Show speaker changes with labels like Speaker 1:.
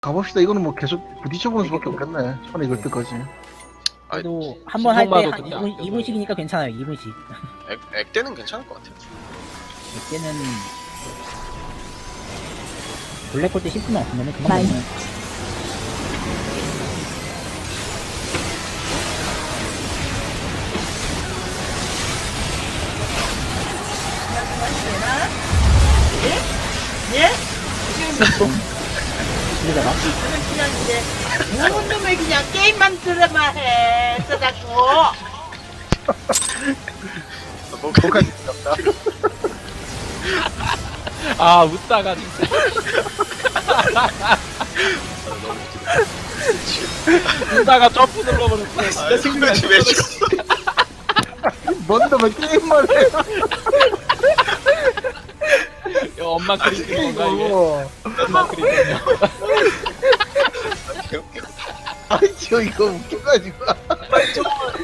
Speaker 1: 가봅시다. 이거는 뭐 계속 부딪혀보는 수밖에 없겠네. 손에 익을 때까지.
Speaker 2: 그래도 한 번 할 때
Speaker 3: 신선마도
Speaker 2: 한
Speaker 3: 그때
Speaker 2: 2분,
Speaker 3: 안
Speaker 2: 2분씩이니까 괜찮아요. 2분씩.
Speaker 4: 액대는 괜찮을 것 같아요.
Speaker 2: 이때는 블랙홀 때 10분만 없으면 그만
Speaker 5: 많이.
Speaker 2: 되면
Speaker 6: 예?
Speaker 2: 그러다가
Speaker 6: 그냥 이제 모든 놈의 그냥 게임만 들어만 해 써갖고
Speaker 1: 똑같이 생겼다.
Speaker 3: 아 웃다가 진짜 웃다가 점프 눌러버렸어. 진짜 생각이
Speaker 4: 왜 죽었어?
Speaker 1: 뭔 놈의 게임만 해.
Speaker 3: 야, 엄마 그리는 건가 이게?
Speaker 1: 이거.
Speaker 3: 엄마 그리는 거.
Speaker 1: 아니, 저 이거 웃겨가지고.